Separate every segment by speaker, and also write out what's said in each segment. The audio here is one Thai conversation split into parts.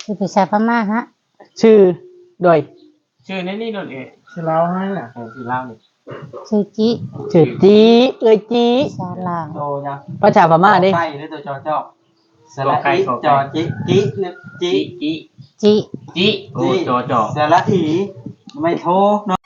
Speaker 1: คือภาษาพม่าฮะ
Speaker 2: ชื่อโดย
Speaker 3: ชื่อนี่โดน
Speaker 4: ชื่อเราให้น่ะ
Speaker 3: ชื่อเล่านี่
Speaker 1: ชื่อจิ
Speaker 2: ชื่อจีจี
Speaker 1: ภาษาลาว
Speaker 4: โตยัง
Speaker 2: ภาษาพม่าดิ
Speaker 4: ไก่หรือตัวจอสระอีจอจิหรือจิ
Speaker 1: จิ
Speaker 3: โอ้จอ
Speaker 4: สระอีไม่โทเนาะ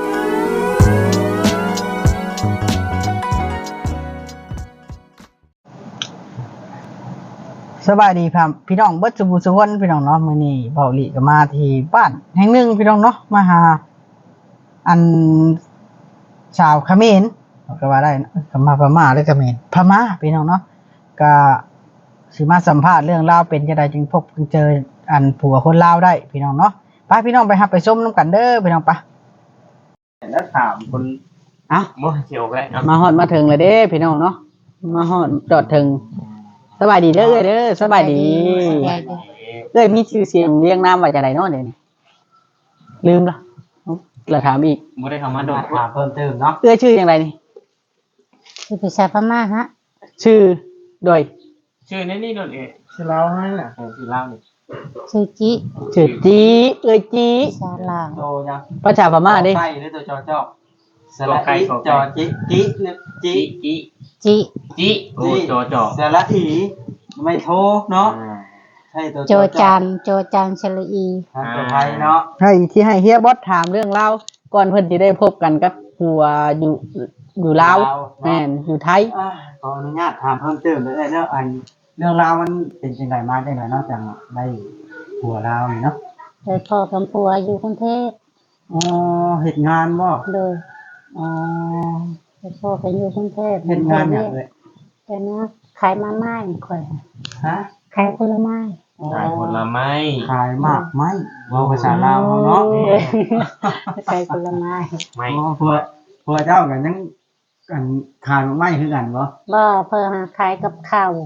Speaker 2: สบายดีครับพี่น้องเบิดสุบุสุวนพี่น้องเนาะมื้อนี้เบาหลีก็มาที่บ้านแห่งหนึ่งพี่น้องเนาะมาหาอันชาวเขมรก็ว่าได้ก็มาพม่าหรือเขมรพม่าพี่น้องเนาะก็สิมาสัมภาษณ์เรื่องราวเป็นจังได๋จึงพบจึงเจออันผัวคนลาวได้พี่น้องเนาะไปพี่น้องไปรับไปชมนํกันเด้อพี่น้องปะ
Speaker 4: แล้วถามคน
Speaker 3: บ่เกี่ยวกัน
Speaker 2: มาฮอดมาถึงแล้วเด้พี่น้องเนาะมาฮอดจอดถึงสบายดีเด้อเด้อสบายดีเอ้ยมีชื่อเสียงเรียงนามว่าจังได๋เนาะเดี๋ยวนี้ลืมละแล้วถามอีก
Speaker 3: บ่ได้เข้ามาโดน
Speaker 4: ถามเพิ่มเติมเนาะ
Speaker 2: เอ้ยชื่อจังไดนี่
Speaker 1: คือภาษาพม่าฮะ
Speaker 2: ชื่อโดย
Speaker 3: ชื่อนี่โดน
Speaker 4: ชื่อเราให้น่ะ
Speaker 3: ชื่อเล่านี่
Speaker 1: ชื่อจิ
Speaker 2: ชื่อจีเอ้ยจี
Speaker 1: ภาษาลาว
Speaker 4: โตยัง
Speaker 2: ภาษาพม่าดิ
Speaker 4: ไก่หรือตัวสระอีจอจิหรือจิ
Speaker 3: โอ้จอ
Speaker 4: สระอีไม่โทเนาะใช่ตัว
Speaker 1: โจจันชลีอี
Speaker 4: ตัวไทยเนาะ
Speaker 2: ให้ที่ให้เฮียบอสถามเรื่องเล่าก่อนเพิ่นสิได้พบกันกับผัวอยู่ลาวแม่นอยู่ไทย
Speaker 4: ขออนุญาตถามเพิ่มเติมเลยเนาะอันเรื่องราวมันเป็นจังไดมาจังไดเนาะจังได้ผัวลาวนี่เนาะ
Speaker 1: ได้พ่อกับผัวอยู่กรุงเทพ
Speaker 4: เฮ็ดงานบ่
Speaker 1: เลยได้พ่อไปอยู่กรุงเทพ
Speaker 4: เฮ็ดงานหยังเอ้ย
Speaker 1: แต่เนี้ยขายมาม่าข่อย
Speaker 4: ฮะ
Speaker 1: ขายผลไม้
Speaker 3: ขายผลไม้
Speaker 4: ขายมากไม้เว้าภาษาลาวเนาะ
Speaker 1: ขายผลไม้
Speaker 4: ไม่ผัวเจ้ากันยังกันขายไม้คือกันบ่
Speaker 1: เพิ่นขายกับข้าว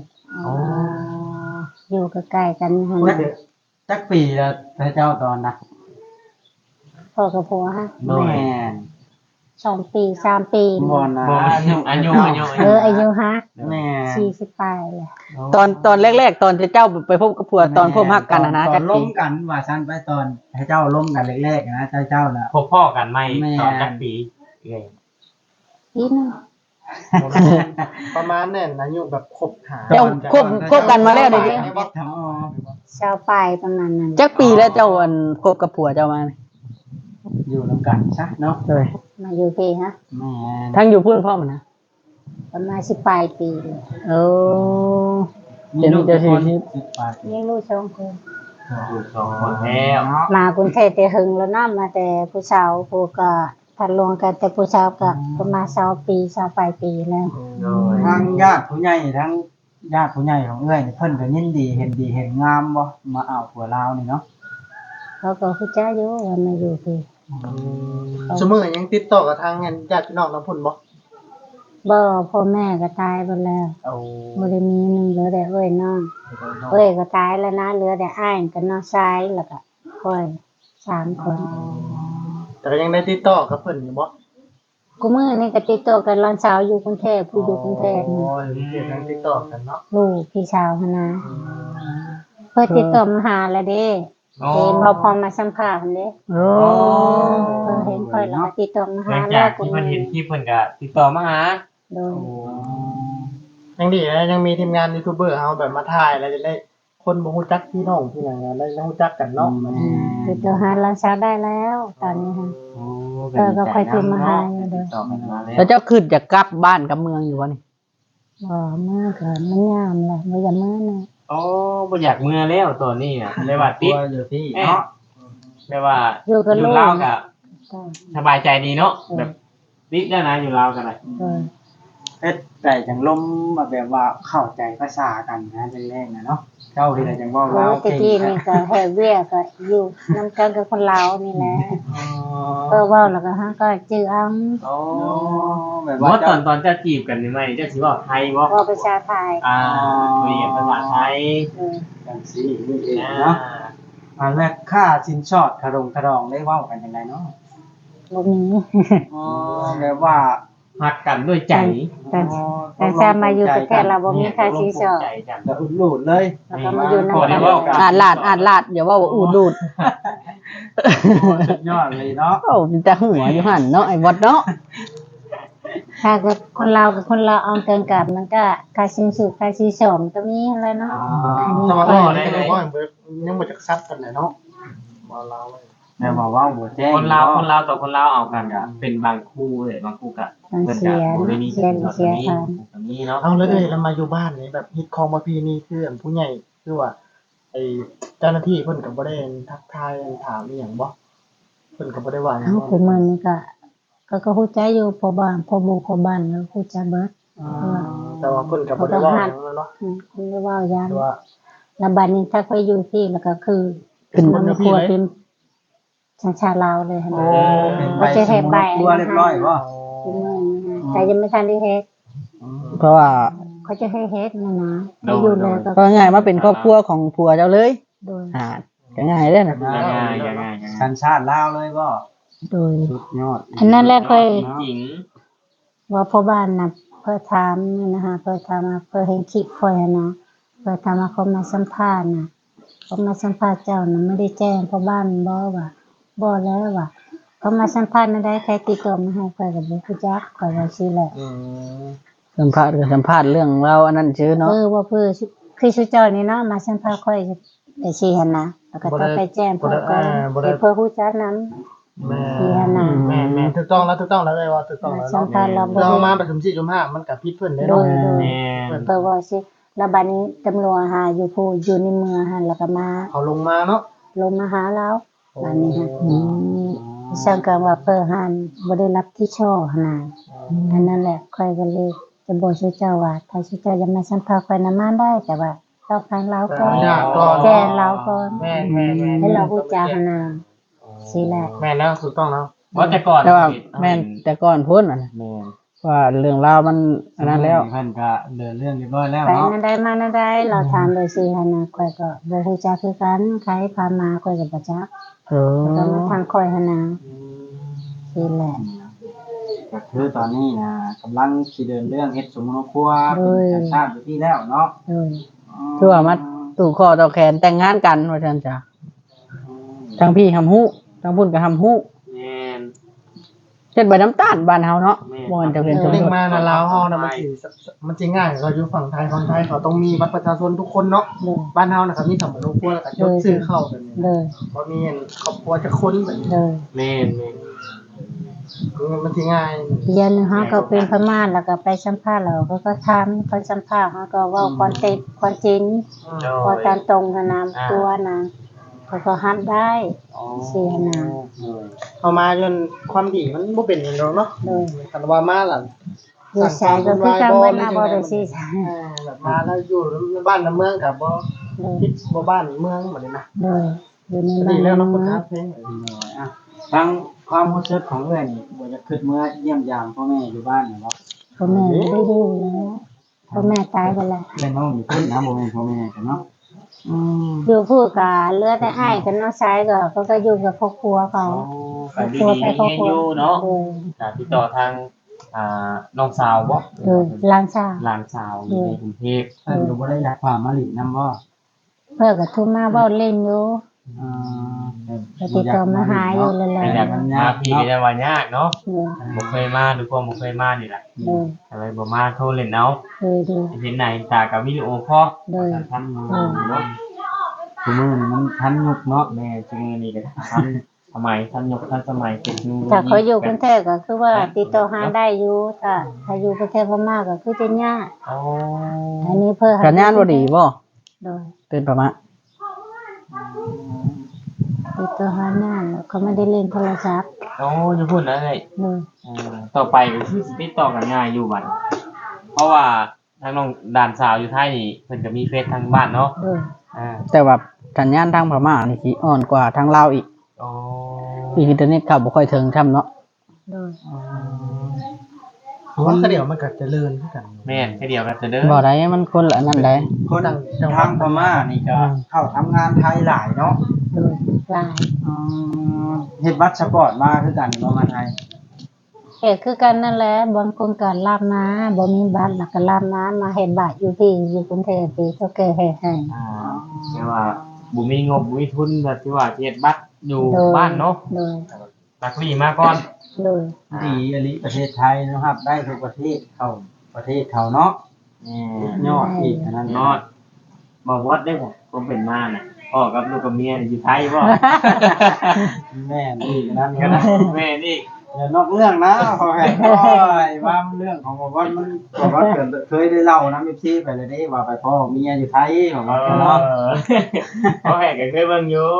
Speaker 1: อยู่ใกล้ๆกันหั่น
Speaker 4: จักปีแล้วพระเจ้าตอนน่ะ
Speaker 1: พ่อกับผัวฮะ
Speaker 4: แม่น
Speaker 1: 2 ปี3 ปี
Speaker 4: บ่นะ
Speaker 3: อายุ
Speaker 1: อายุฮะ
Speaker 4: แม่
Speaker 1: 40ปลายแหละ
Speaker 2: ตอนแรกๆตอนที่เจ้าไปพบกับผัวตอนพบฮักกันนะ
Speaker 4: จักปีล้มกันว่าซั่นไปตอนให้เจ้าล้มกันแรกๆนะเจ้าน่ะ
Speaker 3: พบพ่อกันใหม่ตอนจักปีเอ้ย
Speaker 1: ปีนึง
Speaker 4: ประมาณนั้นอายุแบบคบหา
Speaker 2: เจ้าคบกันมาแล้วดิ
Speaker 1: ชาวปลายประมาณนั้น
Speaker 2: จักปีแล้วเจ้าคบกับผัวเจ้ามา
Speaker 4: อยู่นำกันซะเนาะ
Speaker 2: เลย
Speaker 1: มาอยู่พี่ฮะ
Speaker 4: แม่
Speaker 2: ทั้งอยู่เพื่อนพ่อมันนะ
Speaker 1: ประมาณ10ปลายปีเลย
Speaker 2: มีลูกจะ
Speaker 4: 10ปลาย
Speaker 1: มีลูก2 คน
Speaker 3: อยู่2 คนแล้ว
Speaker 1: มากรุงเทพแต่หึงแล้วนำมาแต่ผู้สาวผู้ก็ทันลงกันแต่ผู้สาวก็ประมาณ20 ปี20ปลายปีแล้ว
Speaker 4: ทั้งญาติผู้ใหญ่ทั้งญาติผู้ใหญ่ของเอ้ยเพิ่นก็ยินดีเห็นดีเห็นงามบ่มาเอาผัวลาวนี่เนาะ
Speaker 1: เขาก็คือจ้าอยู่ว่ามาอยู่พี่
Speaker 4: สมมุติยังติดต่อกับทางญาติพี่น้องน้ำพุ่นบ่
Speaker 1: พ่อแม่ก็ตายไปแล้วบ่ได้มีนึงเหลือแต่เอ้ยน้องเอ้ยก็ตายแล้วนะเหลือแต่อ้ายกับน้องชายแล้วก็ค่อย3 คน
Speaker 4: แต่ก็ยังได้ติดต่อกับเพิ่นอยู่บ่
Speaker 1: กูมื้อนี้ก็ติดต่อกันหลานสาวอยู่กรุงเทพผู้อยู่กรุงเทพ
Speaker 4: โอ้ยยังติดต่อกันเนาะ
Speaker 1: ลูกพี่สาวหั่นนะเพิ่นติดต่อมาหาแล้วเด้เห็นพอมาสัมภาษณ์เด้เห็นค่อยแล้วติดต่อมาหา
Speaker 3: แล้วเพิ่นเห็นคลิปเพิ่นก็ติดต่อมาหา
Speaker 1: โดย
Speaker 4: ยังดีนะยังมีทีมงานยูทูบเบอร์เฮาแบบมาถ่ายแล้วจะได้คนบ่ฮู้จักพี่น้องพี่หยังได้รู้จักกันเนาะ
Speaker 1: ติดต่อหาหลานสาวได้แล้วตอนนี้ค่ะก็ค่อยโทรมาหาเด้อ
Speaker 2: แล้วเจ้าขึ้นจะกลับบ้านกับเมืองอยู่บ่นี่
Speaker 1: เมื่อก็มันยามแหละบ่อยากเมื่อนะ
Speaker 3: บ่อยากเมื่อแล้วตอนนี้อ่ะเลยว่าติด
Speaker 4: อยู่ที่เนาะ
Speaker 3: แม่ว่าอยู่ลาวก็สบายใจดีเนาะแบบติดแล้วนะอยู่ลาวกันน่ะ
Speaker 4: แต่จังลมแบบว่าเข้าใจภาษากันนะแรกๆนะเนาะเจ้าที่ได้จังว่าลาว
Speaker 1: เก่งนี่ก็แฮเวียก็อยู่นำกันกับคนลาวนี่แหละเว้าแล้วก็ฮะก็จื้อเอา
Speaker 3: แบบว่าตอนจะจีบกันนี่มั้ยจะสิเว้าไทยบ่
Speaker 1: ว่าภาษาไทย
Speaker 3: คุยกันภาษาไทย
Speaker 4: จังซี่นี่เองเนาะแรกค่าสินสอดคารองได้เว้ากันจังไดเนาะ
Speaker 1: บ่มี
Speaker 4: แบบว่า
Speaker 3: หักกันด้วยใจ
Speaker 1: แต่จะมาอยู่ประเทศเราบ่มีค่าสินสอด
Speaker 3: ใจกัน
Speaker 4: แล้วอุดหลุดเลย
Speaker 1: แล้วก็มาอยู่นำ
Speaker 3: พอได้
Speaker 1: กัน
Speaker 3: เว้า
Speaker 2: อาดลาดอย่าว่าอูดดูด
Speaker 4: สุดยอดเลยเนาะ
Speaker 2: โอ้มันจะหัวอยู่หั่นเนาะไอ้บอดเนาะ
Speaker 1: ถ้าเกิดคนเรากับคนเราเอาเกินกับมันก็ค่าสินสุดค่าสินสอดมันก็มีอะไรเนาะอันนี้
Speaker 4: สมัคร
Speaker 1: ก็
Speaker 4: ได้เลยว่ายังมาจากซัดกันเลยเนาะมาเราเลย
Speaker 5: แม่บอกว่าบ่แจ้ง
Speaker 3: คนลาวต่อคนลาวเอากันก็เป็นบางคู่เลยบางคู่ก็
Speaker 1: มัน
Speaker 3: เพิ่น
Speaker 1: เสี
Speaker 3: ก็
Speaker 1: ย
Speaker 3: บ่ได้มี
Speaker 1: เสียเสียทาน
Speaker 3: แบบนี้เนาะ
Speaker 4: เอาเลยเรามาอยู่บ้านนี่แบบฮิตคองประเพณีคืออันผู้ใหญ่คือว่าไอ้เจ้าหน้าที่เพิ่นก็บ่ได้ทักทายถามอีหยังบ่เพิ่นก็บ่ได้ว่าหยัง
Speaker 1: เฮาคือมันนี่ก็ฮู้ใจอยู่พอบ้านพอหมู่พอบ้านแล้วฮู้จักเบิด
Speaker 4: แต่ว่าเพิ่นก็บ่ได้ว่าหยังเนาะ
Speaker 1: คุณได้ว่าอย่าง
Speaker 4: แต่ว่า
Speaker 1: แล้วบัดนี้ถ้าไปอยู่ที่แล้วก็คือ
Speaker 2: ขึ้น
Speaker 1: มันครัวเป็นสัญชาติลาวเลยหั่น
Speaker 4: โอ้
Speaker 1: ก็จะเฮ็ดใบ
Speaker 5: ครัวเรียบร้อยบ่
Speaker 1: คือมื้อนี้แต่ยังไม่ทันได้เฮ็ด
Speaker 2: เพราะว่า
Speaker 1: เขาจะให้เฮ็ดนะให้อยู่แล้วก็
Speaker 2: ก็ง่ายมาเป็นครอบครัวของผัวเจ้าเลย
Speaker 1: โดย
Speaker 2: ก็ง่ายเด้อน่ะ
Speaker 3: ง่ายๆ
Speaker 5: สัญชาติลาวเลยบ่
Speaker 1: โดย
Speaker 5: สุดยอด
Speaker 1: อันนั้นแหละค่อย
Speaker 3: หญิง
Speaker 1: ว่าพ่อบ้านน่ะเพิ่นถามนี่นะคะเพิ่นถามมาเพิ่นเห็นคลิปค่อยอะนะเพิ่นถามว่าเขามาสัมภาษณ์น่ะเขามาสัมภาษณ์เจ้าน่ะไม่ได้แจ้งพ่อบ้านบ่ว่าบ่แล้วว่าเขามาสัมภาษณ์นั่นได้ใครติดต่อมาให้ค่อยก็บ่รู้จักค่อยว่าสิแหละ
Speaker 2: สัมภาษณ์ก็สัมภาษณ์เรื่องเราอันนั้นชื่อเนาะ
Speaker 1: ว่าเพื่อคือชื่อเจ้านี่เนาะมาสัมภาษณ์ค่อยแต่สิหั่นนะแล้วก็ต้องไปแจ้งเพิ่นก่อนให้เพิ่นรู้จักนำ
Speaker 4: แม่
Speaker 1: สิหั่นน่ะ
Speaker 4: แม่ถูกต้องแล้วเลยว่าถูกต้องแล้ว
Speaker 1: สัม
Speaker 4: เนาะ
Speaker 1: ภาษณ์เราบ่
Speaker 4: เรา
Speaker 1: ได้
Speaker 4: มาประชุม4 5มันก็ผิดเพิ่นเด้
Speaker 1: โด
Speaker 4: เนาะ
Speaker 1: ย
Speaker 3: แม่
Speaker 1: เพิ่นว่าสิแล้วบัดนี้ตำรวจหาอยู่ผู้อยู่ในเมืองหั่นแล้วก็มา
Speaker 4: เขาลงมาเนาะ
Speaker 1: ลงมาหาเราบัดนี้ฮะช่างกันว่าเพิ่นหันบ่ได้รับที่ช่อหั่นน่ะอันนั้นแหละค่อยก็เลยจะบอกชื่อเจ้าว่าถ้าชื่อเจ้าจะมาสัมภาษณ์ค่อยนำมาได้แต่ว่าต้องฟังเราก่อน แจ้งเราก่อน
Speaker 4: แม่
Speaker 1: ให้เรารู้จักหั่นน่ะสิแหละ
Speaker 4: แม่แล้วถูกต้องแล้ว
Speaker 3: ว่าแต่ก่อน
Speaker 2: แต่ว่าแม่นแต่ก่อนพ้นน่ะนะ
Speaker 3: แม่น
Speaker 2: ว่าเรื่องราวมันอันนั้นแล้ว
Speaker 5: เพิ่นก็เดินเรื่องเรียบร้อยแล้ว
Speaker 1: ไป
Speaker 5: เนาะ
Speaker 1: นั่นได้มานั่นได้เราถามโดยสิหั่นน่ะค่อยก็บ่รู้จักคือกันใครพามาค่อยก็บ่จัก
Speaker 2: เออ
Speaker 1: ก็มาทางค่อยหั่นน่ะสิแหละ
Speaker 5: ก็คือตอนนี้นะกำลังสิเดินเรื่องเฮ็ดสมุนครัวเป็นสัญชาติอยู่ที่แล้วเนาะ
Speaker 1: โดย
Speaker 2: คือว่ามาตู่คอต่อแขนแต่งงานกันว่าซั่นจ้ะทั้งพี่ทำฮู้ทั้งพุ่นก็ทำฮู้
Speaker 3: แม่น
Speaker 2: เฮ็ดใบน้ำตาลบ้านเฮาเนาะ
Speaker 3: แม่
Speaker 2: บ่มันจะเป็นสม
Speaker 4: เร่ง
Speaker 2: รส
Speaker 4: มานะลาวเฮานะมันสิง่ายเราอยู่ฝั่งไทยเขาต้องมีบัตรประชาชนทุกคนเนาะ
Speaker 1: โดย
Speaker 4: บ้านเฮานะครับมีสำนักครัวแล้วก็ยกชื่อเข้าแบบนี้
Speaker 1: โดย
Speaker 4: บ่มีครอบครัวจะคนแบบนี้
Speaker 1: โดย
Speaker 3: แม่น
Speaker 4: มันสิง่าย
Speaker 1: เดือนหนึงเขาก็เป็นพม่าแล้วก็ไปสัมภาษณ์เราก็ถามคนสัมภาษณ์เขาก็เว้าความเท็จความจริงพอตามตรงขนามตัวนะเขาก็ฮัดได้สิหนา
Speaker 4: เอามาจนความดีมันบ่เป็นอย่างเนาะ
Speaker 1: โดย
Speaker 4: คันว่ามาล่ะ
Speaker 1: อยู่สายก็คือการเว้นมาบ่ได้สิสาย
Speaker 4: แบบมาแล้วอยู่บ้านในเมืองกับบ่
Speaker 1: โดย
Speaker 4: คิดบ่บ้านเมืองแบบนี้นะ
Speaker 1: โดยอยู่ใน
Speaker 4: ดีแล้ว
Speaker 1: บ้า
Speaker 4: เนาะ
Speaker 1: น
Speaker 4: คุณ
Speaker 1: เมื
Speaker 4: ค
Speaker 1: อ
Speaker 4: รั
Speaker 1: ง
Speaker 4: บเพลง
Speaker 5: อ่ะทั้งความรู้สึกของเอื้อนี่บ่จะคิดเมื่อเยี่ยมยามพ่อแม่อยู่บ้านเนาะ
Speaker 1: พ่อแม่ไม่ได้ดูแล้วพ่อแม่ตายไปแล้ว
Speaker 5: เป็นน้องอยู่พุ่นนะบ่แม่นพ่อแม่กันเนาะ
Speaker 1: อยู่พูดกับเหลือแต่อ้ายกับน้องชายก็เขาก็อยู่กับครอบครัวเขา
Speaker 3: ไปดีๆให้อยู่เนาะ
Speaker 1: โดย
Speaker 3: ติดต่อทางน้องสาวบ่
Speaker 1: โดยหลานชาย
Speaker 3: หลานสาวอยู่ในกรุงเทพ
Speaker 5: เพิ่นก็บ่ได้อยากความมาหลินำบ่
Speaker 1: เพื่อก็โทุมาเว้าเล่นอยู่
Speaker 5: อ่า
Speaker 1: ไปติดต่อมาหาอยู่เลยแหละ
Speaker 3: ไม่อยากมาพี่ได้ว่ายากเนาะ
Speaker 1: โดย
Speaker 3: บ่เคยมาหรือว่าบ่เคยมานี่แหละ
Speaker 1: โดย
Speaker 3: อะไรบ่มาโทรเล่นเอา
Speaker 1: โดยโดย
Speaker 3: เห็นไหนตากับวิดีโอคอล
Speaker 1: โดย
Speaker 3: ทำเนาะ
Speaker 5: คือมื้อนี้มันทันยุคเนาะ
Speaker 3: แม่จึงนี่ก็ทันสมัยทันยกทันสมัยเก็บนู
Speaker 1: ถ้าเขาอยู่กรุงเทพก็คือว่าติดต่อหาได้อยู่ถ้าอยู่ประเทศพม่าก็คือจะยาก
Speaker 3: อ๋อ
Speaker 1: อันนี้เพื่อ
Speaker 2: สัญญาณบ่ดีบ่
Speaker 1: โดย
Speaker 2: เป็นประมาณ
Speaker 1: ติดต่อหางานแล้วเขาไม่ได้เล่นโทรศัพท์
Speaker 3: โอ้จะพูดนะเลย
Speaker 1: โดย
Speaker 3: ต่อไปก็คือสิติดต่อกันง่ายอยู่บัดเพราะว่าทางน้องด่านสาวอยู่ไทยนี่เพิ่นก็มีเฟซทางบ้านเนาะ
Speaker 1: โดย
Speaker 2: แต่ว่าสัญญาณทางพม่านี่สิอ่อนกว่าทางลาวอีก
Speaker 3: อ๋อ
Speaker 2: อินเทอร์เน็ตเข้าบ่ค่อยถึงช่ำเนาะ
Speaker 1: โดย
Speaker 4: เพราะว่าเดี๋ยวมันก็เจริญขึ้นกัน
Speaker 3: แม่นแค่เดียวกันจะเด้อ
Speaker 2: บ่ได้มันคนละอันนั้นได้
Speaker 5: คนทางพม่านี่ก็เข้าทำงานไทยหลายเนาะ
Speaker 1: โดยหลาย
Speaker 5: เฮ็ดบัตรสปอร์ตมาคือกันบ่มาไทย
Speaker 1: เฮ็ดคือกันนั่นแหละบางคนก็ลาบนาบ่มีบัตรแล้วก็ลาบนามาเฮ็ดบัตรอยู่ที่อยู่กรุงเทพที่เขาแก้ให้
Speaker 3: แต่ว่าบ่มีงบบ่มีทุนแบบที่ว่าเฮ็ดบัตรอยู่บ้านเนาะ
Speaker 1: โดย
Speaker 3: ตักลี่มาก่อน
Speaker 1: โดย
Speaker 5: ดีอลิประเทศไทยนะครับ ได้ทุกประเทศเข้าประเทศเขาเนาะยอดอีกอันนั้น
Speaker 3: นอดบ่วัดได้บ่ผมเป็นมาน่ะพ่อกับลูกกับเมียอยู่ไทยบ่
Speaker 5: แม่นี่อันนั้น
Speaker 3: ก็
Speaker 5: ก็
Speaker 3: ได้
Speaker 5: ได้
Speaker 3: แม่นี่
Speaker 5: อย่านอกเรื่องนะพอแห่โอ้ยว่าเรื่องของบอกว่ามันบอกว่าเคยได้เล่านะพี่ไปเลยได้ว่าไปพ่อเมียอยู่ไทยบอกว่าเนาะ
Speaker 3: พ่อแห่ก็เคยเบิ่งอยู่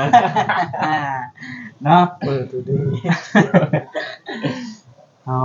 Speaker 5: เนาะ
Speaker 4: ดูดี
Speaker 5: อ๋อ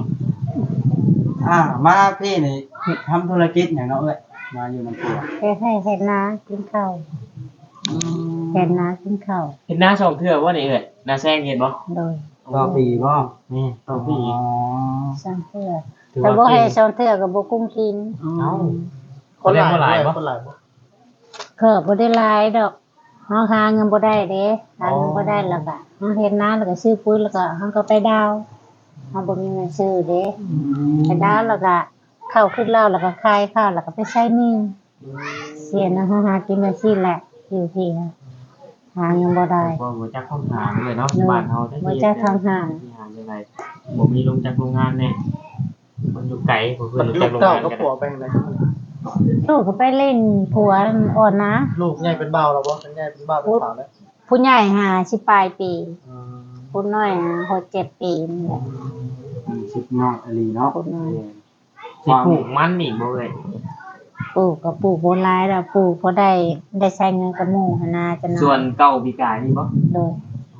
Speaker 5: มาพี่นี่ทำธุรกิจอย่างเนาะเอ้ยมาอยู่น้ำตัว
Speaker 1: เฮ็ดให้เฮ็ดนากินข้าวเฮ็ดนากินข้าว
Speaker 3: เห็นหน้าช่องเทื่อบ่นี่เอ้ยหน้าแซงเห็นบ่
Speaker 1: โดย
Speaker 5: ต่อปีบ่
Speaker 3: นี่ต่อปี
Speaker 1: สร้างเพื่อ
Speaker 3: ถือ
Speaker 1: แต่
Speaker 3: ว่า
Speaker 1: บ่ให้
Speaker 3: เก่ง
Speaker 1: สอนเทื่อก็บ่กุ้มกิน
Speaker 3: เอ้า
Speaker 4: คนหลาย
Speaker 3: คนหลายบ่
Speaker 4: คนหลายบ่
Speaker 1: ก็บ่ได้หลายดอกเฮาหาเงินบ่ได้เด้หาเงินบ่ได้แล้วก็เฮาเฮ็ดนาแล้วก็ซื้อปุ๋ยแล้วก็เฮาก็ไปดาวเฮาบ่มีเงินซื้อเด้ไปดาวแล้วก็เข้าขึ้นแล้วแล้วก็ขายข้าวแล้วก็ไปใช้หนี้เสียนะเฮาหากินจังซี่แหละอยู่ที่หาเงินบ่ได้
Speaker 3: บ่จักท่องหาเลยเนาะบ้านเฮาได้
Speaker 1: บ่จักท่องหา
Speaker 3: จังได๋บ่มีลงจากโรงงานแน่มันอยู่ไกลบ่เพิ่
Speaker 4: มัน น
Speaker 3: รู้
Speaker 4: ลู
Speaker 3: จัก
Speaker 4: ก
Speaker 3: โรงาน
Speaker 4: เต้างก็
Speaker 3: กัน
Speaker 4: ผัวไปไหน
Speaker 1: ลูกก็ไปเล่นผัวอ่อนนะ
Speaker 4: ลูกใหญ่เป็นเบาแล้วบ่เป็นใหญ่เป็นเบาเป็นขาวแล้ว
Speaker 1: ผู้ใหญ่หาสิปลายปีผู้น้อยหา6-7 ปีนี่แหละ
Speaker 5: ชิปยอดอลีเนาะ
Speaker 1: ผู้น้อย
Speaker 3: สิปลูกมันนี่บ่เอ้ย
Speaker 1: ปลูกก็ปลูกบ่หลายแล้วปลูกพอได้ใช้เงินกับหมู่หันนาจังนะ
Speaker 3: ส่วนเก่าปีกายนี่บ่
Speaker 1: โดย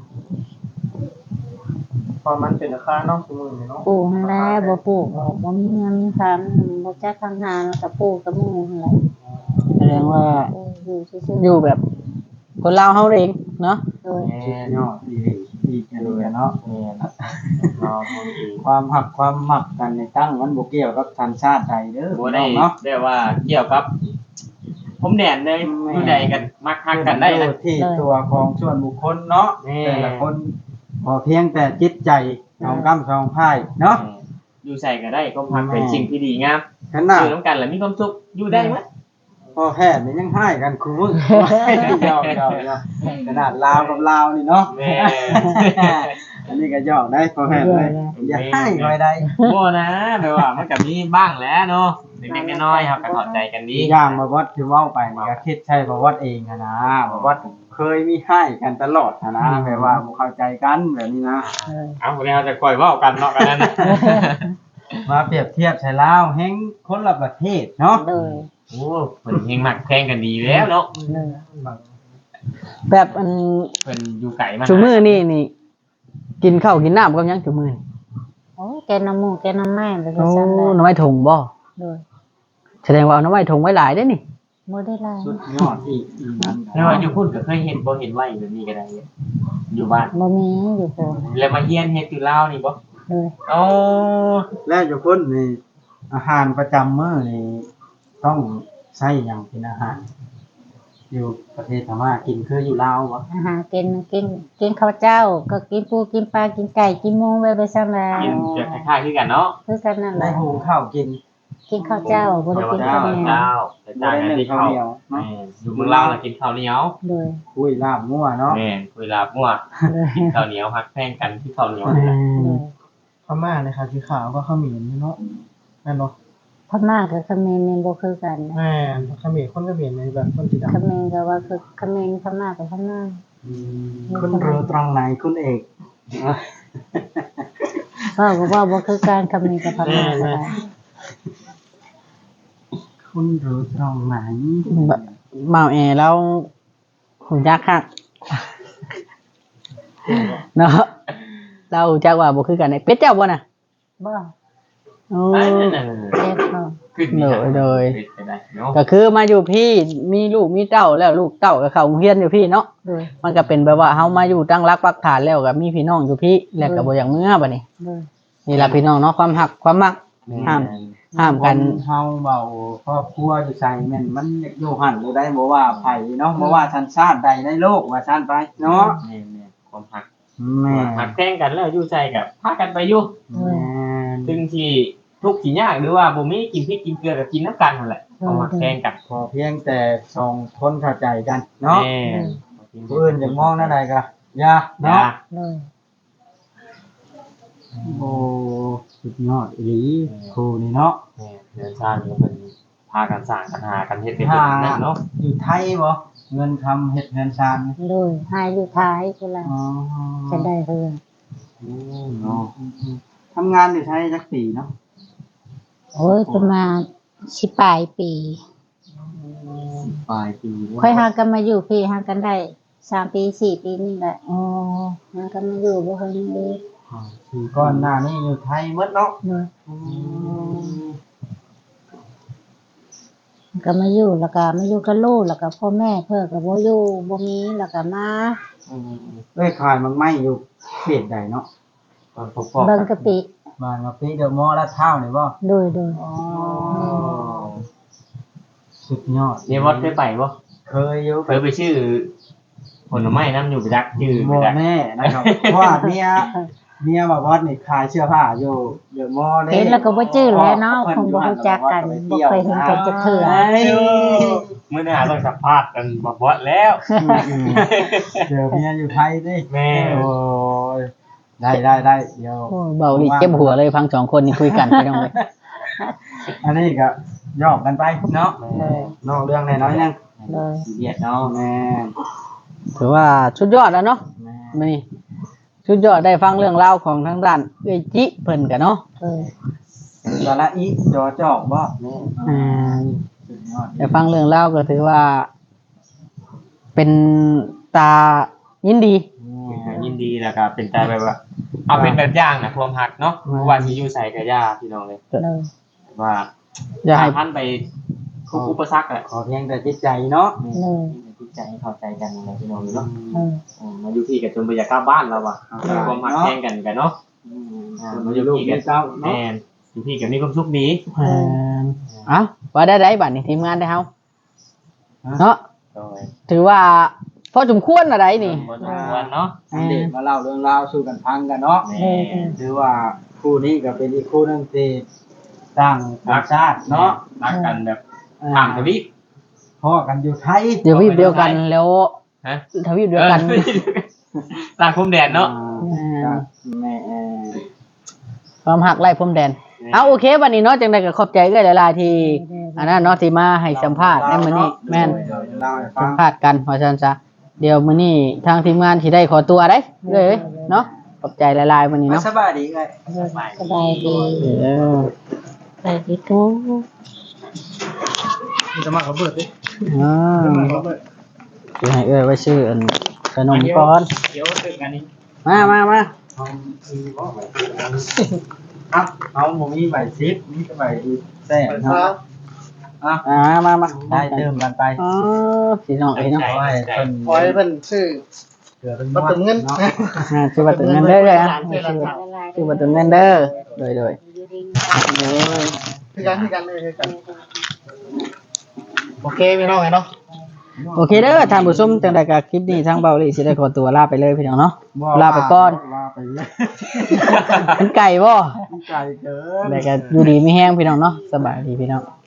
Speaker 4: พอมันเป็นราคาเนาะซุมื้อนี้เนาะ
Speaker 1: ปลูกหันแหล้วบ่ปลูกก็บ่มีเงินทำบ่จักทำหาแล้วก็ปลูกกับหมู่หั่นแหละ
Speaker 2: แสดงว่า
Speaker 1: ปลูกอยู่ซื่อ
Speaker 2: อยู่แบบคนลาวเฮาเองเนาะ
Speaker 1: ๆโดย
Speaker 5: ชิปยอดอีกเลยเนาะ
Speaker 3: แม่นเราทำเอง
Speaker 5: ความหักความหมักกันในตั้งมันบ่เกี่ยวกับสัญชาติใดเด้อ
Speaker 3: บ่ได้
Speaker 5: เนาะ
Speaker 3: ได้ว่าเกี่ยวกับผมแดนเลยอยู่ใดกันมักฮักกันได้นะ
Speaker 5: ที่ตัวของส่วนบุคคลเนาะ
Speaker 3: แน่
Speaker 5: แต่ละคนพอเพียงแต่จิตใจของกำสองพายเนาะ
Speaker 3: อยู่ใส่ก็ได้ก็พักเป็นสิ่งที่ดีงาม
Speaker 5: ขนาด
Speaker 3: อยู่น้ำกันแล้วมีความสุขอยู่ได้มั้ย
Speaker 5: พอแพทย์นี่ยังให้กันคือมึงยอกขนาดลาวกับลาวนี่เนาะ
Speaker 3: แม่
Speaker 5: อันนี้ก็ยอกได้พอแพทย์เลยอย่าให้หน่อยใด
Speaker 3: บ่นะแปลว่ามันก็มีบ้างแหล้วเนาะเล็กๆน้อยๆครับก็เข้าใจกันดี
Speaker 5: อย่างมาวัดที่เว้าไปนี่ก็คิดใช่บ่วัดเองอะนะบ่วัดเคยมีให้กันตลอดอะนะแบบว่าบ่เข้าใจกันแบบนี้นะ
Speaker 3: เอาคนนี้เราจะคอยเว้ากันเนาะกันนั่นน่ะ
Speaker 5: มาเปรียบเทียบใช้ลาวแห่งคนละประเทศเนาะ
Speaker 1: โดย
Speaker 3: โอ้เพิ่นเฮงมักแข่งกันดีแล้วเนาะ
Speaker 1: โดย
Speaker 2: แบบอัน
Speaker 3: เพิ่นอยู่ไกลมา
Speaker 2: ชุมือนี่กินข้าวกินน้ำกับหยังชุมือนี่
Speaker 1: โอ้แกน้ำหมูแกน้ำไม้ไป
Speaker 2: โอ้
Speaker 1: ซั่นแหละ
Speaker 2: หน้ำไม้ถุงบ่
Speaker 1: โดย
Speaker 2: แสดงว่าเอาหน้ำไม้ถุงไว้หลายได้อนี่
Speaker 1: บ่ได้หลาย
Speaker 5: สุดยอดอีกนั้น
Speaker 3: แล้วว่าอยู่พุ่นก็เคยเห็นบ่เห็นไว้แบบนี้ก็ได้อยู่บ้าน
Speaker 1: บ่มีอยู่โพน
Speaker 3: แล้วมาเฮียนเฮ็ดอยู่ลาวนี่บ่
Speaker 1: โดย
Speaker 3: อ๋อ
Speaker 5: แล้วอยู่คนนี่อาหารประจำมื้อนี่ต้องใช้หยังเป็นอาหาร อยู่ประเทศพม่ากินคืออยู่ลาวบ่
Speaker 1: อาหารกินข้าวเจ้า ก็กินปูกินปลากินไก่กินหมูไว้ไปซั่นแหละ
Speaker 3: กินจะคล้ายๆคือกันเนาะ
Speaker 1: คือกันนั่นแห
Speaker 5: ได้
Speaker 1: ละ
Speaker 5: หุงข้าวกิน
Speaker 1: กินข้าวเจ้าบ่ได้กินข้าวเหนียว
Speaker 3: เจ้าแต่ต่างกันที่ข้าว
Speaker 5: บ่ได้นึ่งข้าวเหนียวเนาะ
Speaker 3: อยู่เมืองลาวน่ะกินข้าวเหนียว
Speaker 1: โดย
Speaker 5: คุยลาบงัวเนาะ
Speaker 3: แม่นคุยลาบมั่ว
Speaker 1: โดย
Speaker 3: กินข้าวเหนียวฮักแพงกันที่ข้าวเหนียวนี่แหละ
Speaker 1: โดย
Speaker 4: พม่าเนี่ยค่ะสีขาวก็เขมิ้นเนาะแม่นเนาะ
Speaker 1: พม่ากับเขมรนี่บ่คือกันนะ
Speaker 4: แม่นเขมิ้นคนเขมิ้นในแบบคนสีดำ
Speaker 1: เขมรก็ว่าคือเขมรพม่ากับพม่า
Speaker 5: คุณรู้ตรงไหนคุณเอก
Speaker 1: ก็ว่าบ่คือการเขมรกับพม่าก็ได้
Speaker 5: คุณรู้ตรงไหน
Speaker 2: เมาแอแล้วหูจักคักเนาะเราหูจักว่าบ่คือกันไอ้เป็ดเจ้าบ่น่ะ
Speaker 1: บ่
Speaker 2: โอ้
Speaker 3: นั่น
Speaker 1: เจ็บเนาะ
Speaker 3: ขึ้น
Speaker 2: โดย
Speaker 3: ไปได้เนาะ
Speaker 2: ก็คือมาอยู่พี่มีลูกมีเต้าแล้วลูกเต้าก็เข้าโรงเรียนอยู่พี่เนาะ
Speaker 1: โดย
Speaker 2: มันก็เป็นแบบว่าเฮามาอยู่ตั้งรักปักฐานแล้วก็มีพี่น้องอยู่พี่แล้วก็บ่อย่างเมื่อบัดนี้
Speaker 1: โดย
Speaker 2: นี่ล่ะพี่น้องเนาะความหักความมักห้ามกัน
Speaker 5: เฮาเบาครอบครัวอยู่ใส่แม่นมันอยู่หั่นเลยได้บ่ว่าไผเนาะบ่ว่าสัญชาติใดในโลกว่าซั่นไปเนาะ
Speaker 3: นี่ความหัก
Speaker 5: แแม่
Speaker 3: หักแท่งกันแล้วอยู่ใจกับพากันไปอยู่
Speaker 5: แม่
Speaker 3: ซึ่งที่ทุกข์ที่ยากหรือว่าบ่มีกินพริกกินเกลือกับกินน้ำกันนั่นแหละเอาหักแท่งกัน
Speaker 5: พอเพียงแต่สองคนเข้าใจกันเนาะ
Speaker 3: แม่
Speaker 5: ผู้อื่นจะมองนั่นใดก็อย่า
Speaker 3: เนาะ
Speaker 5: เนาะ
Speaker 1: เลย
Speaker 5: โอ้สุดยอดอีหลีครูนี่เนาะ
Speaker 3: เดินทางก็เป็นพากันสร้างกันหากันเฮ็ดเป็นแบบนั้นเนาะ
Speaker 5: อยู่ไทยบ่เงินทำเฮ็ดเงินชานนี่
Speaker 1: เลยหายอยู่ท้ายกูละ
Speaker 5: อ๋อ
Speaker 1: จะได้เฮือ
Speaker 5: เนาะทำงานอยู่ไทยจักปีเนาะ
Speaker 1: โอ้ยประมาณ10ปลายปี
Speaker 5: ปลายปี
Speaker 1: ค่อยหากันมาอยู่พี่หากันได้3ปี4ปีนี่แหละ
Speaker 5: อ๋อ
Speaker 1: หากันมาอยู่บ่ค่อยมีเลย
Speaker 5: ปีก่อนหน้านี้อยู่ไทยหมดเนาะ
Speaker 1: เลยก็มาอยู่แล้วก็มาอยู่กับลูกแล้วก็พ่อแม่เพิ่นก็บ่อยู่บ่มีแล้วก็มา
Speaker 5: เอ้ยขายมังไม่อยู่เขตใดเนาะ
Speaker 3: ตอนพบ
Speaker 1: เบิ่งกะปิ
Speaker 5: บ้านมาปีเดอะมอลล์ลาดพร้าวนี่บ่
Speaker 1: โดย
Speaker 5: สุดยอด
Speaker 3: เนี่ยวัดเคยไปบ่
Speaker 5: เคยอยู่
Speaker 3: เคยไปชื่อผลไม้น้ำอยู่ไปจักชื่อไป
Speaker 5: บ่
Speaker 3: จัก
Speaker 5: แน่นะครับเพราะว่าเมียบอกว่านี่ขายเสื้อผ้าอยู่เดอะมอลล์
Speaker 1: เห็นแล้วก็บ่จื้อแล้วเนาะคงบ่รู้จักกันบ่เคยเห็นกันจักเทื่อ
Speaker 3: มื้อหน้าต้องสัมภาษณ์กันบ่บ่แล้ว
Speaker 5: เดี๋ยวเมียอยู่ไทยดิ
Speaker 3: แม่
Speaker 5: โอ้ยได้เดี๋ยว
Speaker 2: โอ้เบาหลีเจ็บหัวเลยพังสองคนนี่คุยกันไปน้องเลย
Speaker 5: อันนี้ก็ยอกกันไปเนาะนอกเรื่องแน่น้อยนึง
Speaker 1: เลย
Speaker 3: เบียดเนาะ
Speaker 5: แม่
Speaker 2: ถือว่าสุดยอดแล้วเนาะ
Speaker 5: แม่
Speaker 2: มื้อนี้สุดยอดได้ฟังเรื่องราวของทางด้านเอ้ยจิเพิ่นกันเนาะ
Speaker 5: สาระอีจอจอกบ่แม่
Speaker 2: อ่า
Speaker 5: สุดยอด
Speaker 2: ได้ฟังเรื่องราวก็ถือว่า เป็นตายินดี
Speaker 3: ยินดีแล้วก็เป็นใจแบบว่าเอาเป็นแบบอย่างนะความหักเนาะว่าสิอยู่ใส่กับย่าพี่น้องเลย
Speaker 1: เลย
Speaker 3: ว่า
Speaker 2: อย่าให้
Speaker 3: ท่านไปทุกอุปสรรคแหละ
Speaker 5: ขอเพียงแต่จิตใจเนาะ
Speaker 1: เลย
Speaker 3: จิตใจให้เข้าใจกันอะไรพี่น้องเนาะ
Speaker 1: เลย
Speaker 3: มาอยู่ที่กันจนไปอยากกลับบ้านแล้วว่ะความหักแย่งกันเนาะมาอยู่
Speaker 5: ลูก
Speaker 3: ที่
Speaker 5: มี
Speaker 3: กัน
Speaker 5: เจ้า
Speaker 3: แม่
Speaker 5: เนาะ
Speaker 3: นอยู่ที่กันมีความสุขดี
Speaker 2: เอ้าว่าได้บัดนี้ทีมงานได้เฮาเนาะ
Speaker 3: โดย
Speaker 2: ถือว่าพอสมควรอะไรนี่
Speaker 3: บนวันเนาะ
Speaker 5: อันเด็กมาเล่าเรื่องราวสู่กันฟังกันเนาะ
Speaker 3: แม่
Speaker 5: ถือว่าคู่นี้ก็เป็นอีกคู่หนึงที่ต่างต่างชาติเนาะ
Speaker 3: รักกันแบบต่างทวีป
Speaker 5: พ่อกันอยู่ไทย
Speaker 2: เดี๋ยววีบเดียวกันแล้ว
Speaker 3: ฮะ
Speaker 2: ทวีปเดียวกัน
Speaker 3: ต่างภูมิแดนเนาะ
Speaker 5: แม่
Speaker 2: ความหักไล่พรมแดน เอาโอเควันนี้เนาะจังไดก็ขอบใจเอ้ยหลายๆที่อันนั้นเนาะที่มาให้สัมภาษณ์ในมื้อนี้แม่น
Speaker 5: เล่าให้ฟั
Speaker 2: สั
Speaker 5: ง
Speaker 2: มภาษณ์กันว่าซั่นซะเดี๋ยวมื้อนี้ทางทีมงานสิได้ขอตัวเด้เอ้ยเนาะขอบใจหลายๆมื้อนี้เนาะ
Speaker 5: สบายดีเลย
Speaker 1: สบายดี
Speaker 2: เออ
Speaker 1: สบายดีกู
Speaker 5: มันจะมาเขาเบิดดิ
Speaker 2: อ่า
Speaker 5: เขาเบิด
Speaker 2: สิให้เอ้ยไว้ซื้ออันขนมก่อน
Speaker 3: เดี๋ยวตึกอันนี้
Speaker 2: มา
Speaker 5: เอาอีบ่ไหวครับเอาผมมีใบซิปมีใบแซ่บเนาะ
Speaker 2: มา
Speaker 5: ได้เติมกันไป
Speaker 2: อ๋อพี่น้องเอ้ยเนาะ
Speaker 5: ขอให้เพิ่น
Speaker 4: ขอให้เพิ่นซื้อ
Speaker 5: เกิดเป็น
Speaker 4: มาตึงเงิน
Speaker 5: เนาะ
Speaker 2: ชื่อว่าตึงเงินเด้อเลยอ่ะชื่อว่าตึงเงินเด้อโดย
Speaker 4: คือกันเลยคือกันโอเคพี่น้องไงเนาะ
Speaker 2: โอเคเด้อท่านผู้ชมจังได๋ก็คลิปนี้ทางเบาหลีสิได้ขอตัวลาไปเลยพี่น้องเนาะ ลาไปก่อน
Speaker 5: ลาไปเลย
Speaker 2: เป็นไก่บ่
Speaker 5: ไก่เกิน
Speaker 2: แต่ก็อยู่ดีไม่แห้งพี่น้องเนาะสบายดีพี่น้อง